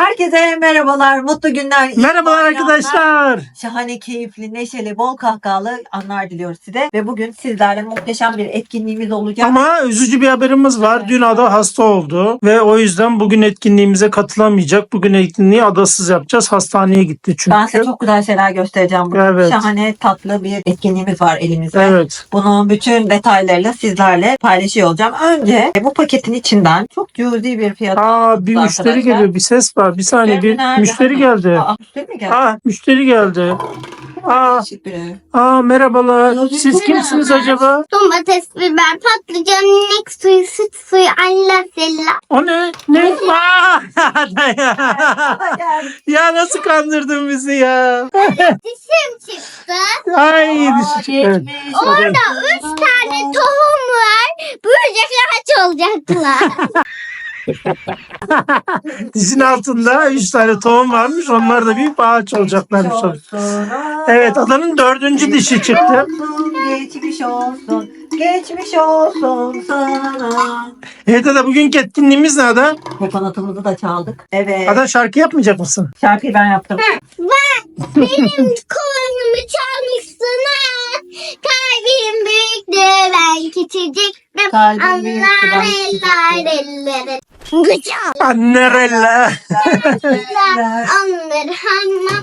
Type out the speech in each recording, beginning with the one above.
Herkese merhabalar, mutlu günler. Merhabalar arkadaşlar. Şahane, keyifli, neşeli, bol kahkahalı anlar diliyoruz size. Ve bugün sizlerle muhteşem bir etkinliğimiz olacak. Ama üzücü bir haberimiz var. Dün Ada hasta oldu ve o yüzden bugün etkinliğimize katılamayacak. Bugün etkinliği adasız yapacağız. Hastaneye gitti çünkü. Ben size çok güzel şeyler göstereceğim bugün. Evet. Şahane, tatlı bir etkinliğimiz var elimizde. Evet. Bunun bütün detaylarıyla sizlerle paylaşıyor olacağım. Önce bu paketin içinden çok cüzi bir fiyat. Bir müşteri geliyor. Bir ses var. Bir saniye. Bir Nerede? müşteri geldi. Müşteri mi geldi? Müşteri geldi. Değişik biri. Merhabalar. Siz kimsiniz acaba? Domates, biber, patlıcan, inek suyu, süt suyu, Allah sella. O ne? Ne? Ya nasıl kandırdın bizi ya? Dişim çıktı. Ay dişi çıktı. Geçmiş. Orada 3 tane tohum var. Böcekler aç olacaklar. Dizin altında 3 tane tohum varmış. Onlar da büyük ağaç olacaklarmış. Evet, adanın 4. dişi çıktı. Geçmiş olsun, geçmiş olsun sana. Evet Ada, bugünkü etkinliğimiz ne Ada? Kokonatımızı da çaldık. Evet. Ada, şarkı yapmayacak mısın? Şarkıyı ben yaptım. Benim kovanımı çalmışsın ha. Kalbim büyüktü, ben küçücüktüm. Kalbim büyüktü, ben Anlar küçücüktüm. elleri. Gıca. Annerella. Anlar hanna.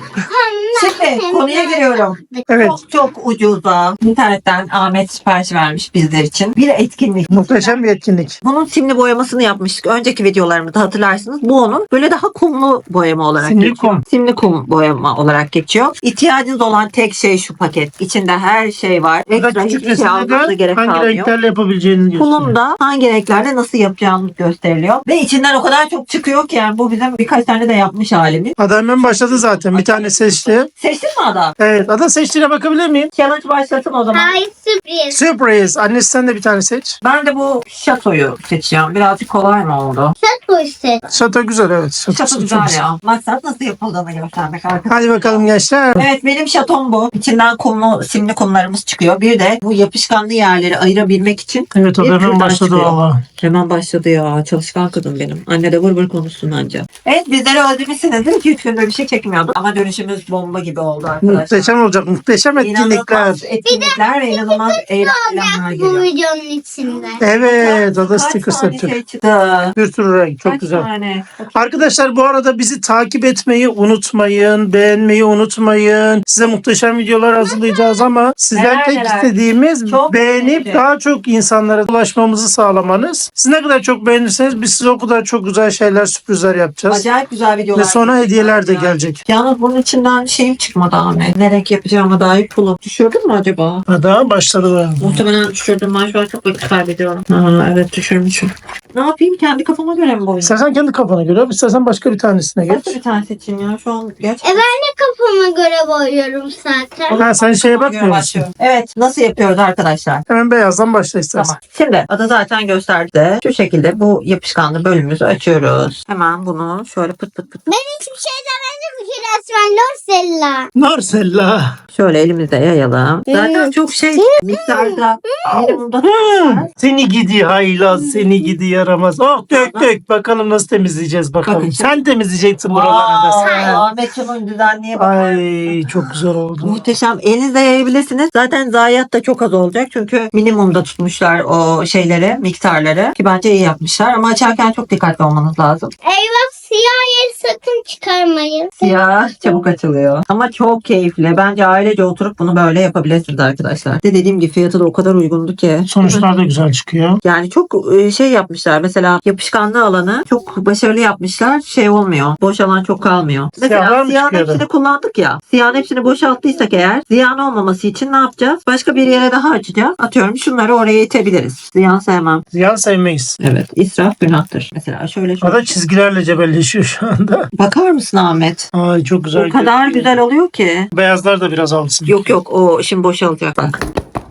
Şimdi konuya giriyorum. Evet. Çok ucuza internetten Ahmet sipariş vermiş bizler için bir etkinlik. Muhteşem bir etkinlik. Bunun simli boyamasını yapmıştık. Önceki videolarımda hatırlarsınız. Bu onun böyle daha kumlu boyama olarak Simli geçiyor. kum. Simli kum boyama olarak geçiyor. İhtiyacınız olan tek şey şu paket. İçinde her şey var. Burada Ekstra küçük hiçbir şey almanıza resimde gerek hangi kalmıyor. renklerle yapabileceğini gösteriyor. Kulumda hangi renklerde nasıl yapacağımız gösteriliyor. Ve içinden o kadar çok çıkıyor ki yani bu bizim birkaç tane de yapmış halimiz. Ada hemen başladı zaten. Bir tane seçti. Seçtin mi Ada? Evet. Ada, seçtiğine bakabilir miyim? Challenge başlasın o zaman. Hayır, sürpriz. Sürpriz. Annesi, sen de bir tane seç. Ben de bu şatoyu seçeceğim. Birazcık kolay mı oldu? Çok hoşsun. Şato güzel, evet. Şato çok güzel ya. Maksat nasıl yapıldığını göstermek arkadaşlar. Hadi bakalım gençler. Evet, benim şatom bu. İçinden kumlu, simli kumlarımız çıkıyor. Bir de bu yapışkanlı yerleri ayırabilmek için Evet, o bir da hemen kürdan başladı çıkıyor. valla. Hemen başladı ya. Çalışkan kadın benim. Anne de vır vır konuşsun anca. Evet, bizleri özlemişsinizdir. 2-3 gündür bir şey çekmiyorduk. Ama dönüşümüz bomba gibi oldu arkadaşlar. Muhteşem olacak. Muhteşem etkinlikler. İnanılmaz etkinlikler ve inanılmaz eğlenceler Bu geliyor. videonun içinde. Evet. Ada Kaç sticker tane satacak. şey çıktı? Bir sürü renk. Çok Kaç güzel. tane? Arkadaşlar, bu arada bizi takip etmeyi unutmayın. Beğenmeyi unutmayın. Size muhteşem videolar hazırlayacağız ama sizden tek Neler. istediğimiz Çok beğenip teşekkür. daha çok insanlara ulaşmamızı sağlamanız. Siz ne kadar çok beğenirseniz biz size o kadar çok güzel şeyler, sürprizler yapacağız. Acayip güzel videolar. Ve sonra hediyeler de Ya. gelecek. Yalnız bunun içinden şeyim çıkmadı Ahmet. Ne renk yapacağıma dair pulum. Düşürdün mü acaba? Daha başladı. Muhtemelen düşürdüm. Ben şu an çok vakit kaybediyorum. Evet, düşürmüşüm. Ne yapayım? Kendi kafama göre mi boyayayım? İstersen kendi kafana göre, istersen başka bir tanesine geç. Nasıl bir tane seçeyim ya? Şu an gerçekten. Ben de kafama göre boyuyorum zaten. Ha, sen şeye bakmıyor musun? Başlıyorum. Evet. Nasıl yapıyoruz arkadaşlar? Hemen beyazdan başla istersen. Tamam. Şimdi adı zaten gösterdi. Şu şekilde bu yapışkanlı bölümümüzü açıyoruz. Hemen bunu şöyle pıt pıt pıt Ben hiçbir şey demedim ki resmen Lorsella. Narsella. şöyle elimizde yayalım. Zaten çok şey miktarda minimumda Seni gidi haylaz, seni gidi yaramaz. Oh, dök. Bakalım nasıl temizleyeceğiz bakalım. Bakın. Sen temizleyeceksin buraları da. Aa, Ahmet Can'ın güzelliğe bak. Ay, çok güzel oldu. Muhteşem. Elinizle yayabilirsiniz. Zaten zayiat da çok az olacak. Çünkü minimumda tutmuşlar o şeyleri, miktarları. Ki bence iyi yapmışlar. Ama açarken çok dikkatli olmanız lazım. Eyvah, siyah yeri sakın çıkarmayın. Siyah çabuk açılıyor. Ama çok keyifli. Bence ailece oturup bunu böyle yapabilirsiniz arkadaşlar. Dediğim gibi fiyatı da o kadar uygundu ki. Sonuçlar da güzel çıkıyor. Yani çok şey yapmışlar. Mesela yapışkanlı alanı çok başarılı yapmışlar. Şey olmuyor. Boş alan çok kalmıyor. Siyahlar Mesela mı siyahın çıkıyordu? hepsini kullandık ya. Siyahın hepsini boşalttıysak eğer ziyan olmaması için ne yapacağız? Başka bir yere daha açacağız. Atıyorum şunları oraya itebiliriz. Ziyan sevmem. Ziyan sevmeyiz. Evet. İsraf günahtır. Mesela şöyle O da çizgilerle cebelleşiyor şu anda. Bakar mısın Ahmet? Ay, çok güzel. O kadar güzel oluyor ki. Beyazlar da biraz alsın. Yok o şimdi boşalacak bak.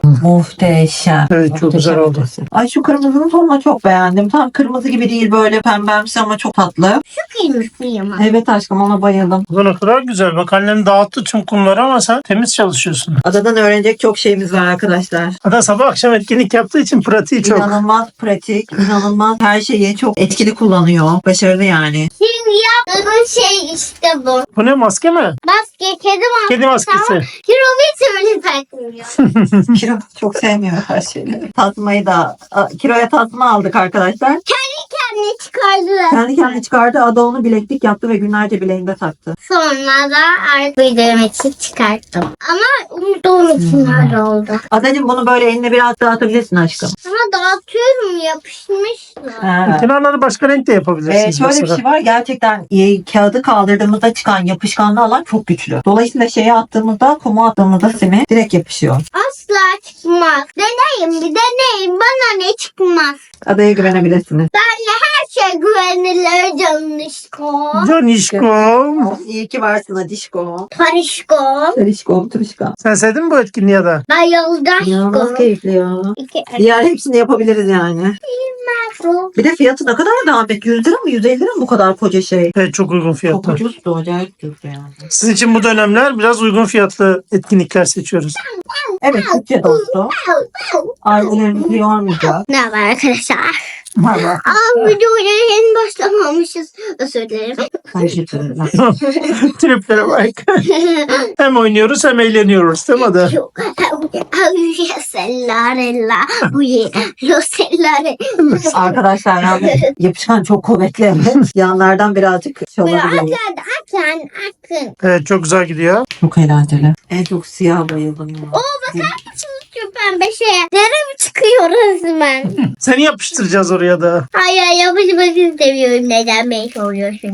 Muhteşem. Evet, çok Muhteşem güzel oldu. ötesi. Ay şu kırmızının tonunu çok beğendim. Tam kırmızı gibi değil, böyle pembemsi ama çok tatlı. Kıymışlıyım. Evet aşkım, ona bayıldım. Bu ne kadar güzel. Bak annem dağıttı tüm kumları ama sen temiz çalışıyorsun. Adadan öğrenecek çok şeyimiz var arkadaşlar. Ada sabah akşam etkinlik yaptığı için pratiği çok. İnanılmaz pratik, inanılmaz her şeyi çok etkili kullanıyor. Başarılı yani. Şimdi yaptığın şey işte bu. Bu ne, maske mi? Maske, kedi maskesi. Kedi maskesi. Ama Kirovit öyle takmıyor. Kiro çok sevmiyor her şeyleri. Tasmayı da Kiro'ya tasma aldık arkadaşlar. Kendini çıkardı. Kendi kendine çıkardı. Ada onu bileklik yaptı ve günlerce bileğinde taktı. Sonra da artık videomu için çıkarttım. Ama umduğum için öyle oldu. Adacığım bunu böyle eline biraz dağıtabilirsin aşkım. Ama dağıtıyorum, yapışmışlar. Ha. Kenarları başka renk de yapabilirsiniz. Şöyle bir mesela. şey var, gerçekten kağıdı kaldırdığımızda çıkan yapışkanlı alan çok güçlü. Dolayısıyla şeye attığımızda, kuma attığımızda simi direkt yapışıyor. Asla çıkmaz. Deneyin, bir deneyin. Bana ne çıkmaz. Adaya güvenebilirsiniz. Benle her şey güvenilir canışko. Canişkom. İyi ki varsın Adişko. Parişko. Tarişko, turişko. Sen sevdin mi bu etkinliği Ada? Bayıldaşko. İnanılmaz keyifli ya. İki Diğer hepsini yapabiliriz yani. metro. Bir de fiyatı ne kadar da Ahmet? 100 lira mı 150 lira mı bu kadar koca şey? Evet, çok uygun Çok fiyatlar. ucuzdu, acayip ucuzdu yani. Sizin için bu dönemler biraz uygun fiyatlı etkinlikler seçiyoruz. Evet, bütçe dostu. Ailelerimizi yormayacak. Ne haber arkadaşlar? Valla. Videoya yeni başlamamışız. Özür dilerim. Triplere bak. Hem oynuyoruz hem eğleniyoruz değil mi Ada? Sellarella. Rosellare. Arkadaşlar yani yapışkan çok kuvvetli. Evet. Yanlardan birazcık çalabiliyor. Akın. Evet, çok güzel gidiyor. Çok eğlenceli. En çok siyah bayıldım ya. Şu pembe şeye. Dere mi çıkıyor resmen? Seni yapıştıracağız oraya da. Hayır, yapışmak istemiyorum. Neden beni soruyorsunuz?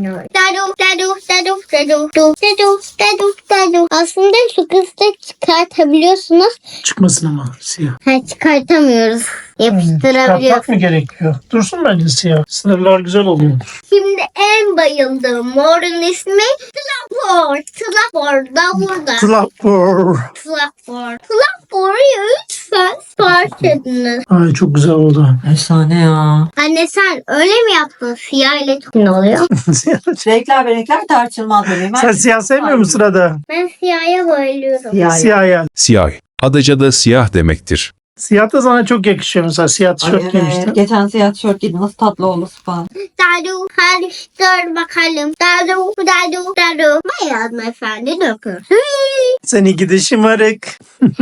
Dadu. Aslında şu kısmı çıkartabiliyorsunuz. Çıkmasın ama siyah. Çıkartamıyoruz. Yapıştırabiliyoruz. Yapmak mı gerekiyor? Dursun bence siyah. Sınırlar güzel oluyor. Şimdi en bayıldığım morun ismi Tlapor. Tlapor da burada. Tlapor. Tlapor'u lütfen sipariş ediniz. Ay, çok güzel oldu. Efsane ya. Anne sen öyle mi yaptın? Siyah ile çok ne oluyor? Renkler ve renkler tartışılmaz bebeğim. Sen siyah sevmiyor musun Ada? Ben siyaha bayılıyorum. Siyah. Siyah ya. Siyah. Adaca'da siyah demektir. Siyah da sana çok yakışıyor mesela. Siyah Ay, tişört evet. giymiştin. Geçen siyah tişört giydim. Nasıl tatlı oldu spa. Dadu karıştır bakalım. Dadu. Bayağı efendi dökün. Seni gidi şımarık.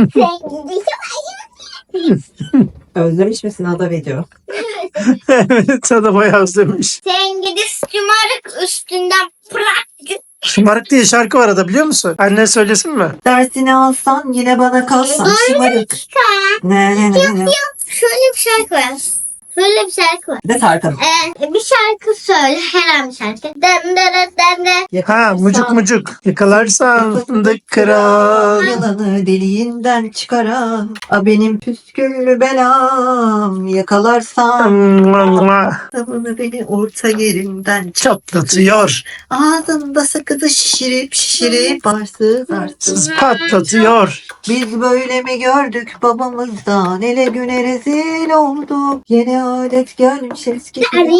Özlemiş misin Ada video? Evet, sana bayağı özlemiş. Sen gidi şımarık üstünden bırak. Şımarık diye şarkı var Ada, biliyor musun? Anne söylesin mi? Dersini alsan yine bana kalsan şımarık. Ne. Şöyle bir şarkı var. Böyle bir şarkı var. Bir de Tarkan. Bir şarkı söyle. Herhangi bir şarkı. Dem. Ha, mucuk mucuk. Yakalarsan fındık kıran. Yalanı deliğinden çıkaran. A benim püsküllü belam. Yakalarsan sabını beni orta yerinden Çatlatıyor. ağzında sakızı şişirip barsız arsız. Patlatıyor. Biz böyle mi gördük babamızdan, ele güne rezil olduk. Yeni adet gelmiş eski.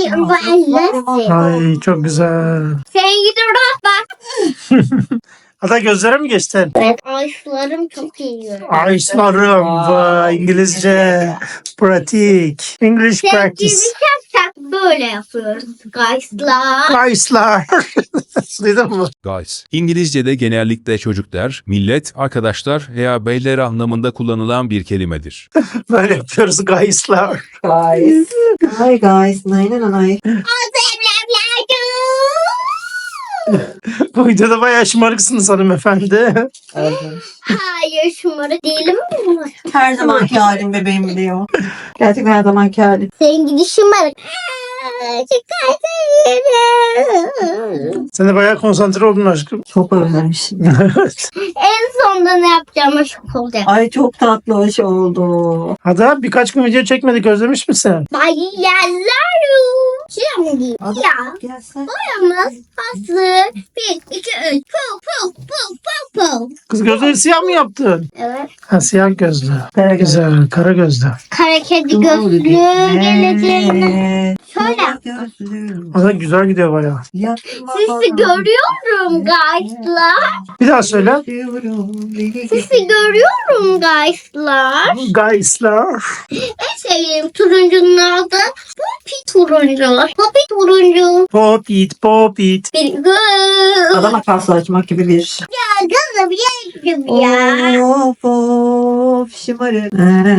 Ay, çok güzel. Sen gidi rahat bak. Ada, gözlere mi geçtin? Evet. Ayşlarım çok iyi. Ayşlarım. Vay, İngilizce. Pratik. English Sen practice. gibi şak böyle yapıyoruz. Guys'lar. Ayşlar. Duydun mu? Guys. İngilizce'de genellikle çocuklar, millet, arkadaşlar veya beyler anlamında kullanılan bir kelimedir. Böyle yapıyoruz Ayşlar. Guys. Hi guys. Nay. Bu videoda bayağı şımarıksınız hanımefendi. Hayır şımarık değilim mi? Her zamanki halim bebeğim biliyor. Gerçekten her zamanki halim. Sen gidi şımarık. Sen de bayağı konsantre oldun aşkım. Çok özlemişim. En sonunda ne yapacağıma şok olacak. Ay çok tatlı hoş oldu. Ada, birkaç gün video çekmedik, özlemiş misin? Bayılarım. Şimdi ya. Gelsin. Boyamız hazır. 1, 2, 3. Pul pul pul pul pul. Kız gözleri siyah mı yaptın? Evet. Ha, siyah gözlü. Kara göz. Güzel, kara gözlü. Kara kedi gözlü geleceğine. Şöyle. O da güzel gidiyor bayağı. Sizi görüyorum guyslar. Bir daha söyle. Sizi görüyorum guyslar. Guys'lar. En sevdiğim turuncunun adı Poppy turuncu. Poppy turuncu. Popit, popit. Bir gün. Adama karşılaşmak gibi bir. Ya kızım yedim ya. Of of şımarık.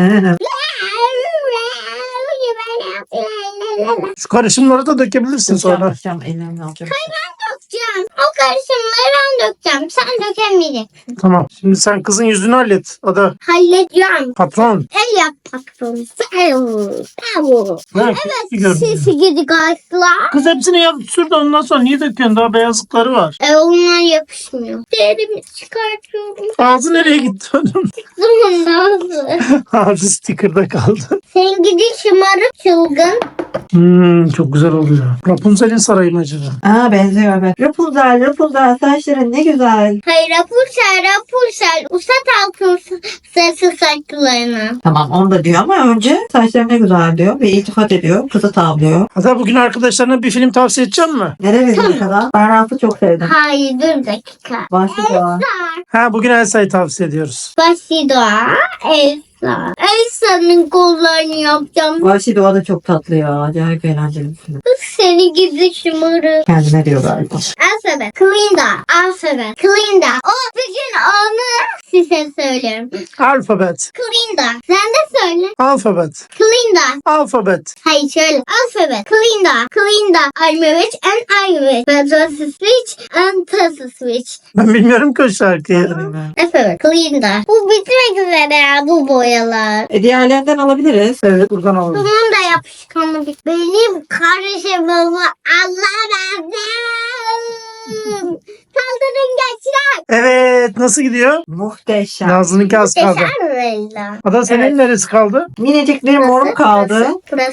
Şu karışımları da dökebilirsin sonra. Yapacağım, ellerimle alacağım. Dökeceğim. O karışımları ben dökeceğim. Sen dökemeyeceksin. Tamam. Şimdi sen kızın yüzünü hallet. O da Halledeceğim. patron. El yap patron. Bravo. Evet. Sesi gidi guyslar. Kız hepsini yap sür de ondan sonra niye döküyorsun? Daha beyazlıkları var. Onlar yapışmıyor. Derimi çıkartıyorum. Ağzı nereye gitti onun? Zamanla. Ağzı sticker'da kaldı. Sen gidi şımarık çılgın. Çok güzel oluyor. Rapunzel'in sarayı mı acaba? Aa benziyor evet. Rapunzel saçların ne güzel. Hayır Rapunzel. Usat altın sesi saçlarına. Tamam onu da diyor ama önce saçların ne güzel diyor ve iltifat ediyor. Kızı tavlıyor. Hatta bugün arkadaşlarına bir film tavsiye edeceğim mi? Nereye verecek kadar? Ben Raf'ı çok sevdim. Hayır dur bir dakika. Başlıyor. Ha, bugün Elsa'yı tavsiye ediyoruz. Elsa. Elsa'nın kollarını yapacağım. Vahşi Doğa da çok tatlı ya. Acayip eğlenceli bir film. Seni gidi şımarık. Kendine diyor galiba. Alfabet. Clinda. O bugün onu size söylüyorum. Alfabet. Clinda. Sen de söyle. Alfabet. Clinda. Alfabet. Hayır şöyle. Alfabet. Clinda. I'm a witch and I'm a witch. But was a switch and was a switch. Ben bilmiyorum ki o şarkıyı. Alfabet. Clinda. Bu bitmek üzere ya bu boyalar. Diğerlerinden alabiliriz. Evet, buradan alalım. Bunun da yapışkanı bit. Benim kardeşimimi anlamadım. Saldırın gençler. Evet, nasıl gidiyor? Muhteşem. Nazlı'nınki az kaldı. Teşekkürler. Ada senin Evet. neresi kaldı? Minicik bir morum kaldı.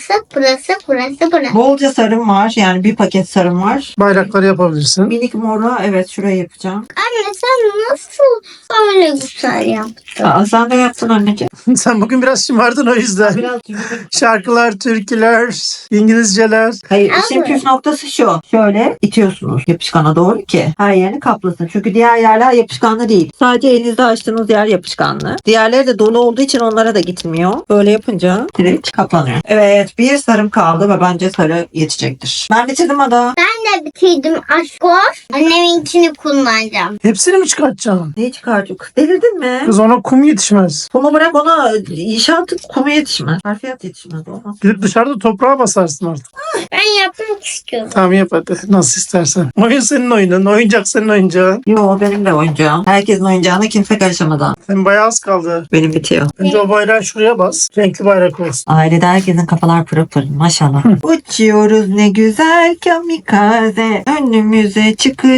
Burası. Bolca sarım var. Yani bir paket sarım var. Bayrakları yapabilirsin. Minik moru evet şuraya yapacağım. Anne sen nasıl öyle güzel yaptın? Aa, sen de yaptın anneciğim. Sen bugün biraz şımardın o yüzden. Biraz Şarkılar, türküler, İngilizceler. Hayır işin Abi. püf noktası şu. Şöyle itiyorsunuz yapışkana doğru ki her yerini kaplasın. Çünkü diğer yerler yapışkanlı değil. Sadece elinizde açtığınız yer yapışkanlı. Diğerleri de dolu olduğu için onlara da gitmiyor. Böyle yapınca direkt kaplanıyor. Evet bir sarım kaldı ve bence sarı yetecektir. Ben bitirdim Ada. Ben de bitirdim aşkor. Anneminkini kullanacağım. Hepsini mi çıkartacaksın? Neyi çıkartıyor? Kız delirdin mi? Kız ona kum yetişmez. Kumu bırak ona inşaat kumu yetişmez. Harfiyat yetişmez. Olmaz. Gidip dışarıda toprağa basarsın artık. Ben yapmak istiyorum. Tamam yap hadi. Nasıl istersen. Oyun senin oyunun. Oyuncak senin oyuncağın. Yo benim de oyuncağım. Herkesin oyuncağına kimse karışamadan. Senin bayağı az kaldı. Benim bitiyor. Önce o bayrağı şuraya bas. Renkli bayrak olsun. Ailede herkesin kafalar pırıl pırıl maşallah. Uçuyoruz ne güzel kamikaze. Önümüze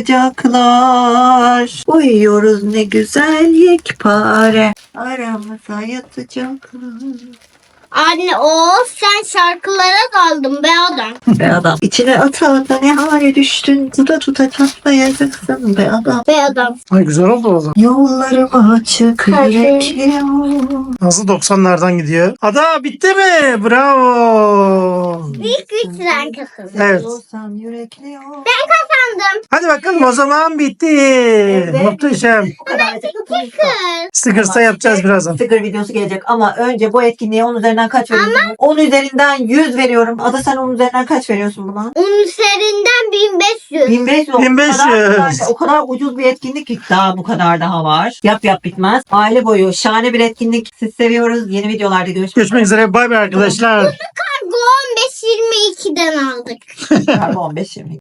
çıkacaklar. Uyuyoruz ne güzel yekpare. Aramıza yatacaklar. Anne sen şarkılara kaldın be adam. Be adam. İçine ata ata ne hale düştün. Tuta tuta çatlayacaksın be adam. Be adam. Ay güzel oldu o zaman. Yollarım açık Her şey. yürekliyor. Nasıl 90'lardan gidiyor? Ada bitti mi? Bravo. Büyük güçler kazandı. Evet. Olsan yürekliyor. Kazandım. Hadi bakalım o zaman bitti. Muhteşem. Bu kadar. Kır. Stickers'ta yapacağız birazdan. Sticker videosu gelecek ama önce bu etkinliğe 10 üzerinden kaç veriyorsun? 10 üzerinden 100 veriyorum. Ada sen 10 üzerinden kaç veriyorsun buna? Onun üzerinden 1500. 1500. 1500. O kadar ucuz bir etkinlik ki daha bu kadar daha var. Yap bitmez. Aile boyu şahane bir etkinlik. Siz seviyoruz. Yeni videolarda Görüşmek üzere. Bay bay arkadaşlar. Kargo 15-22'den aldık. üzere. 15-20.